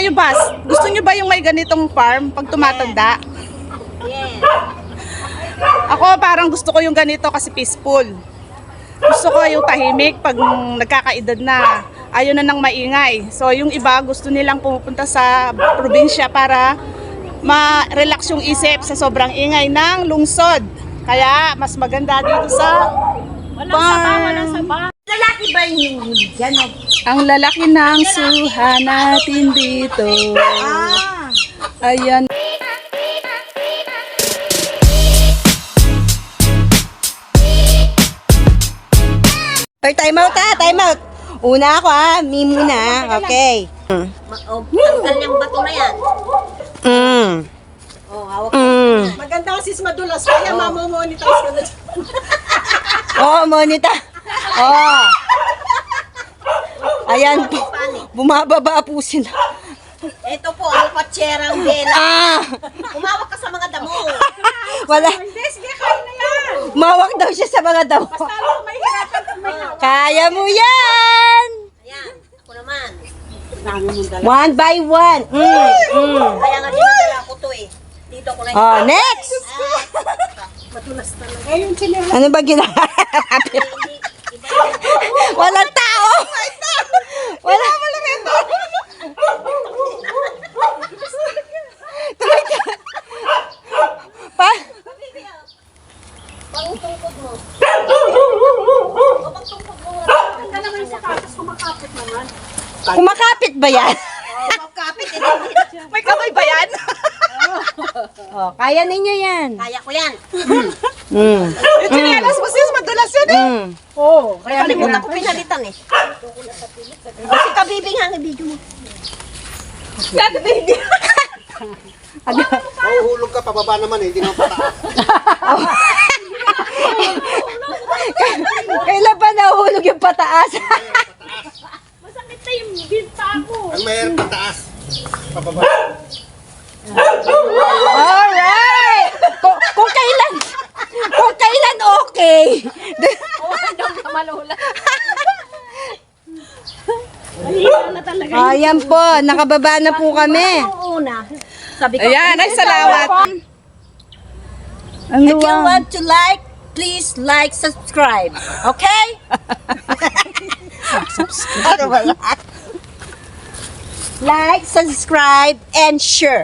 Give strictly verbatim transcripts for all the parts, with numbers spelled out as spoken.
Yung bus, gusto nyo ba yung may ganitong farm pag tumatanda? Yes. Ako parang gusto ko yung ganito kasi peaceful. Gusto ko yung tahimik pag nagkakaedad na. Ayaw na ng maingay. So yung iba gusto nilang pumupunta sa probinsya para ma-relax yung isip sa sobrang ingay ng lungsod. Kaya mas maganda dito sa Walang saba, walang saba. Lalaki ba yung dyan? ang lalaki ng suha natin dito. Ah. Ayan. Or time out ha, time out. Una ako ha, me muna. Okay. Oh, tanggal yung bato na yan. Mm. Oh, hawak. Mm. Maganda kasi madulas, kaya mamomonitor ka na. Oh, monita. Oh. Ayan po. Bumababa po sila. Ito po, ang patserang bela. Ah! Umawak ka sa mga damo. Wala. Hindi, sige, kaya na yan. Mawak daw siya sa mga damo. Talo, may hirapan kung may hawak. Kaya mo yan! Ayan, ako naman. One by one. Mm. Mm. Kaya nga dinadala ko to eh. Dito ko na Oh, next! Matulas talaga. Ayun, sila. Ano ba ginagawa? Walang tao! Wala. Tuloy ka. Pa? Pangutungkod mo. Ganda naman yung sapatos, kumakapit naman. Kumakapit ba yan? Oh, magkapit. Eh, May kamay ba yan? Oh, kaya ninyo yan. kaya ko yan. Mm. Yung chinelas mo sis, madulas yun eh. Mm. Oo, kaya Kalimutan ko pinalitan eh. Kasi kabibing ang ibigyo mo. Mahuhulog ka, pababa naman eh, hindi naman pataas. Kailan pa nahuhulog yung pataas? masakit na yung binta ko. Ang mayroon pataas, pababa. Alright! Kung, kung kailan, kung kailan okay. Mahina na talaga. Ayan po, nakababa na po kami. Ang una, sabi ko, Ayan, ay salamat. Ang if you luwang. want to like, please like, subscribe. Okay? Ano ba yan? Like, subscribe, and share.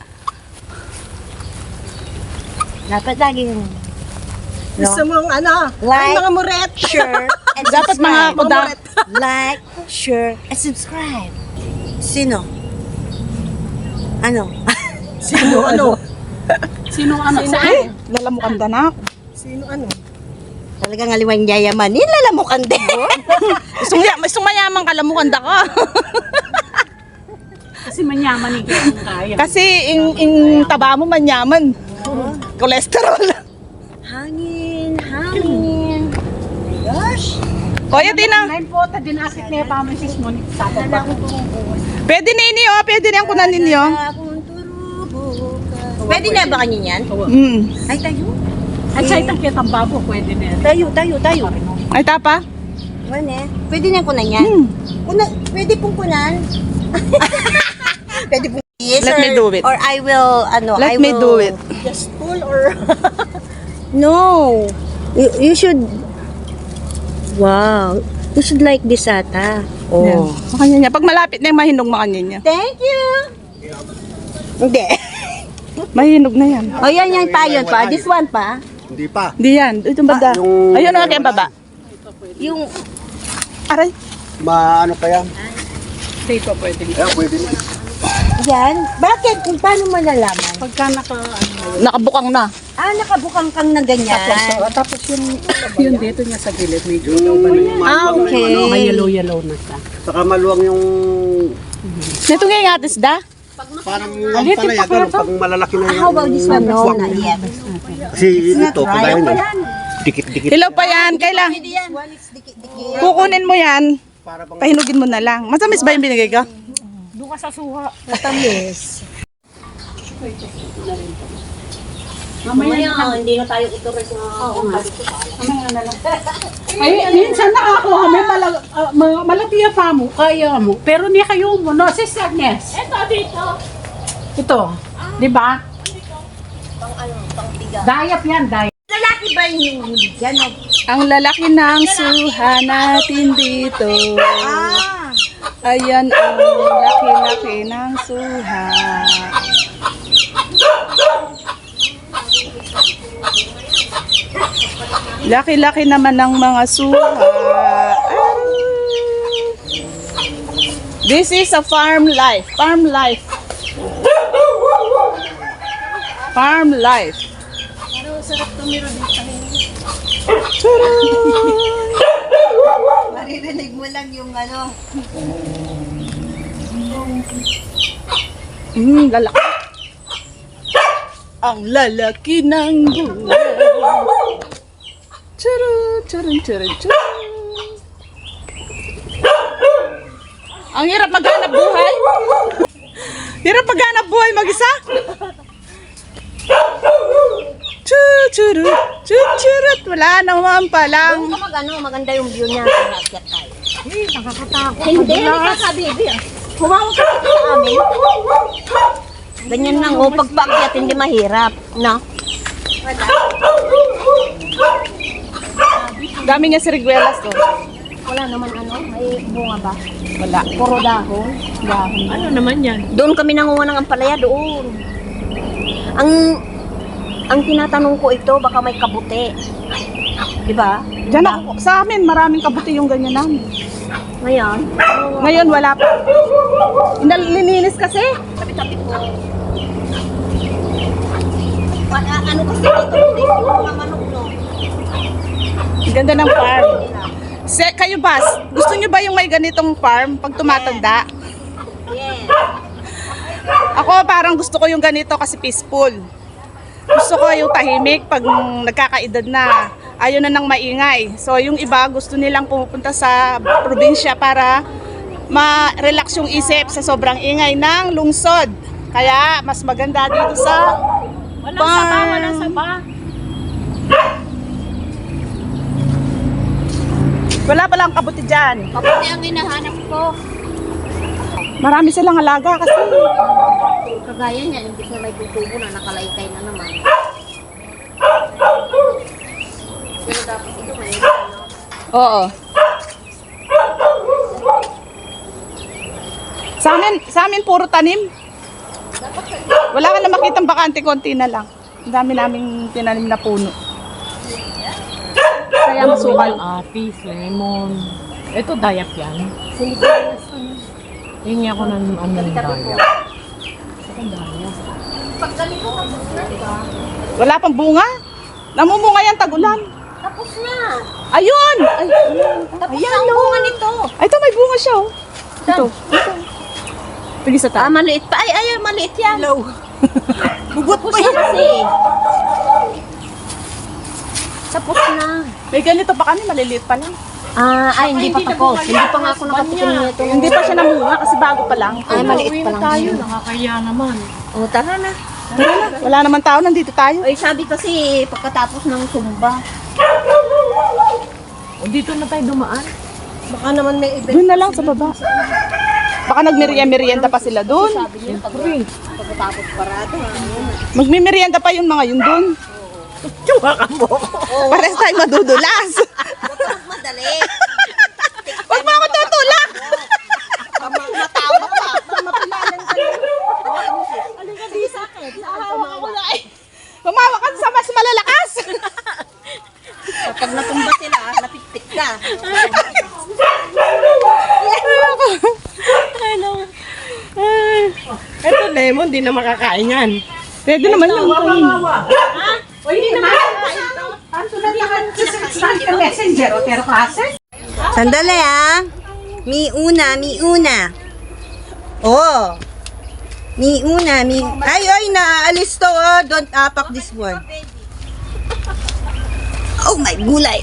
Dapat laging Gusto mong ano, Like, ay mga muret. share, and Dapat mga subscribe. kuda. Like, share, and subscribe. Sino? Ano? Sino ano? Sino ano? Saan? Lalamukanda na ako. Sino ano? Talagang aliwan yayamanin, lalamukan din. Gusto mo gusto mayaman ka, lamukanda ka. Kasi manyaman ikaw ang kaya. Kasi ing, ing taba mo manyaman. Cholesterol. Hangin, hangin. Gosh. Kuya Tina, Ngayon po, ta dinakit niya pa mo sis mo. Sapa ba? pwede na ini oh, pwede na yung kunan ninyo. Pwede na ba kanyo yan? Mm. Ay, tayo. At sa itang kitang babo, pwede na yan. Tayo, tayo, tayo. Ay tapa. Ano eh? Pwede na kunan yan? Hmm. Kuna, pwede pong kunan? Pwede pong yes, Let or, me do it. Or I will, ano, Let I me will, do it. Just pull or... No. You, you should, wow. You should like this ata. Oh. Makanya niya. Pag malapit na yung mahinog makanya niya. Thank you. Hindi. Mahinog na yan. O yan, yan pa, yun pa. This one pa. Hindi pa. Di yan. Ito banda. yung- Ayun ang aking baba. Yung, Aray. Maano pa yan? Hindi pa pwede. Ayan, pwede na. yan. Bakit? Kung paano malalaman? Pagka naka... Ano, Nakabukang na. Ah, nakabukang kang na ganyan. tapos, tapos yung, yung dito niya sa gilid, medyo daw ba na yan? Ah, okay. May yellow-yellow na siya. Saka maluwang yung... Ito nga yung atis da. Parang ang palaya, gano'n, pag malalaki na yung... How about this one? No, not yet. Kasi ito, kagaya na. Dikit-dikit. Hilaw pa yan. Kailang One is dikit-dikit. kukunin mo yan. Para bang... Pahinugin mo na lang. Masamis ba yung binigay ko? Doon ka sa suha. Matamis. Mamaya, hindi na tayo ito rin na. Oo nga. Ay, minsan nakakuha, may malag, uh, ma- malatiya pa mo, kaya mo. Pero ni kayo mo, no? Si Agnes. Ito, dito. Ito, di ba? Pang ano, pang tiga. Dayap yan, dayap. Lalaki ba yung huli dyan? o? Ang lalaki ng suha natin dito. Ah! Ayan ang laki-laki ng suha. Laki-laki naman ng mga suha. Ah. This is a farm life. Farm life. Farm life. Maririnig mo lang yung ano. Hmm, lalaki. Ang lalaki ng gulay. Churu, churu, churu, churu. Ang hirap maghanap buhay. Hirap maghanap buhay mag-isa. Chuchuru, chuchurut. Wala naman palang. Kung mag ano, maganda yung view niya. Nakakit tayo. Eh, nakakatakot. Hindi, hindi ka baby. Humawag ka sa amin. Ganyan lang, oh, pagpaakyat hindi mahirap. No? Dami niya si Riguelas to. Wala naman ano, may bunga ba? Wala. Puro dahon. Dahon. Ano naman yan? Doon kami nanguha ng ampalaya doon. Ang ang tinatanong ko ito, baka may kabuti. Di ba? Diyan ako, sa amin maraming kabuti yung ganyan namin. Ngayon, Ngayon wala pa. Inalilinis kasi. tabi-tabi ko. Wala, ano kasi dito, hindi ko mga manok, no? Ganda ng farm. Se, kayo ba, gusto nyo ba yung may ganitong farm pag tumatanda? Yes. Ako parang gusto ko yung ganito kasi peaceful. Gusto ko yung tahimik pag nagkakaedad na. Ayaw na ng maingay. So yung iba gusto nilang pumupunta sa probinsya para ma-relax yung isip sa sobrang ingay ng lungsod. Kaya mas maganda dito sa Walang saba, walang saba. Wala palang kabuti dyan. Kabuti ang hinahanap ko. Marami silang alaga kasi. Kagaya niya, hindi na may tutubo na nakalaykay na naman. Pero dapat ito may ano. Oo. Sa amin, sa amin puro tanim. Wala ka na makitang bakante, konti na lang. Ang dami naming tinanim na puno. Kaya masukal. Apis, lemon. Ito, dayap yan. Sinigalas ano. Hingi ako ng ano ng dayap. Pag ganito, tapos na, di ba? Wala pang bunga. Namumunga yan tag-ulan. Tapos na. Ayun! Ay, Tapos na ang bunga nito. ay, ito may bunga siya oh. Ito. Ito. Pigi sa Ah, taas. maliit pa. Ay, ay, maliit yan. Hello. Bugot pa yan kasi. Tapos na. May ganito pa kami, maliliit pa lang. Ah, ay, hindi pa tapos. Hindi pa nga ako nakatikim nito. Hindi pa siya namunga kasi bago pa lang. Ay, maliit pa lang. Tayo, nakakaya naman. O, tara na. Tara na. Wala naman tao, nandito tayo. Ay, sabi kasi pagkatapos ng sumba. O, dito na tayo dumaan. Baka naman may event. Doon na lang sa baba. Baka nagmerienda-merienda pa sila doon. Sabi niya pag, pagkatapos parado. Magmimerienda pa yung mga yun doon. Pares tayo madudulas. Huwag ka magmadali. Huwag mo ako tutulak! Matawa ka. Mapilalan ka lang. Alin ka di sa akin. Humawa ka sa mas malalakas. Pag natumba sila, napitpit ka. Ito, lemon, di na makakain yan. Pwede naman yung kain. O, hindi naman. Ano na lang sa messenger o pero klase? Sandali ah. Mi una, mi una. Oh. Mi una, mi... Ay, ay, naalis to oh. Don't apak this one. Oh my gulay.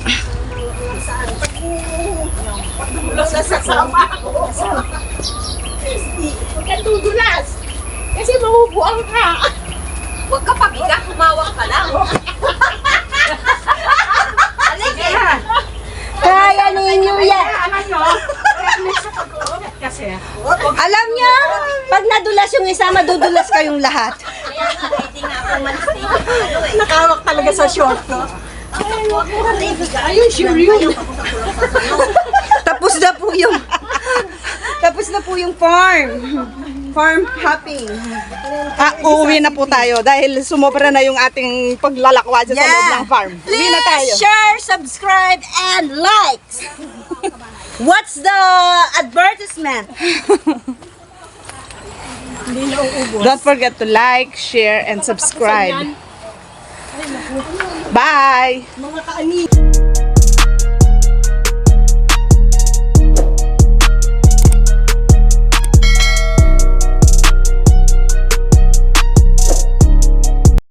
Huwag ka tudulas. Kasi mabubuang ka. Huwag ka pabiga, humawak ka lang. Halika. Kaya ninyo yan. Alam nyo, sa pag-uunat kasi. Alam niyo, pag nadulas yung isa, madudulas kayong lahat. Kaya nga, ready nga ako malis dito. Ano eh. Nakawak talaga sa short ko. Ayun, sure yun. Tapos na po yung Tapos na po yung farm. Farm hopping. Ah, uuwi na po tayo dahil sumobra na yung ating paglalakwa dyan sa loob ng farm. Uwi na tayo. Please share, subscribe, and like. What's the advertisement? Don't forget to like, share, and subscribe. Bye! Mga kaani.